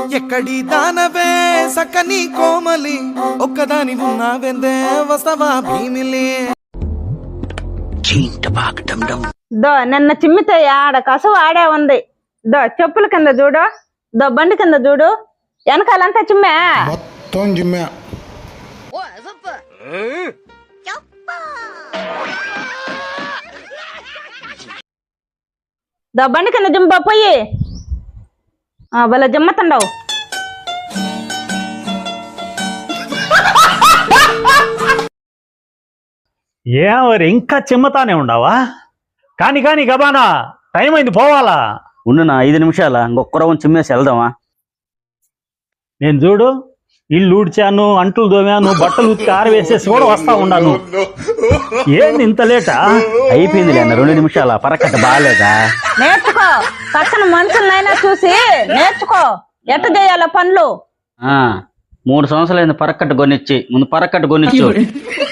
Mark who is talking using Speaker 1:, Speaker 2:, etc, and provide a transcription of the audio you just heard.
Speaker 1: ఎక్కడి దానవే సకని కోమలి ఒక్కదాని ఉన్నావెందే వస్తవా భీమిలి
Speaker 2: దో నిన్న చిమ్మితే ఆడ కసువు ఆడే ఉంది. దో చెప్పుల కింద చూడు, దో బండి కింద చూడు, వెనకాలంతా చిమ్మే.
Speaker 3: మొత్తం జిమ్మే.
Speaker 2: దో బండి కింద జిమ్మ పోయి భలే జిమ్మతండవు.
Speaker 4: ఏమరి ఇంకా చిమ్మతానే ఉండవా? కాని కాని గబానా, టైం అయింది పోవాలా.
Speaker 5: ఉండు నా 5 నిమిషాల ఇంకొక రవ్వం చిమ్మేసి వెళ్దామా?
Speaker 4: నేను చూడు ఇల్లు ఊడ్చాను, అంట్లు దోమాను, బట్టలు ఉతికి ఆరవేసేసి కూడా వస్తా ఉన్నాను. ఏంది ఇంత లేటా?
Speaker 5: అయిపోయిందిలే అన్న 2 నిమిషాల పరకట్ట బాగాలేదా?
Speaker 2: నేర్చుకో, పక్కన మనుషులనైనా చూసి నేర్చుకో ఎట్ట చేయాల పనులు.
Speaker 5: 3 సంవత్సరాలు పరకట్ట కొనిచ్చి ముందు పరకట్ట కొనిచ్చు.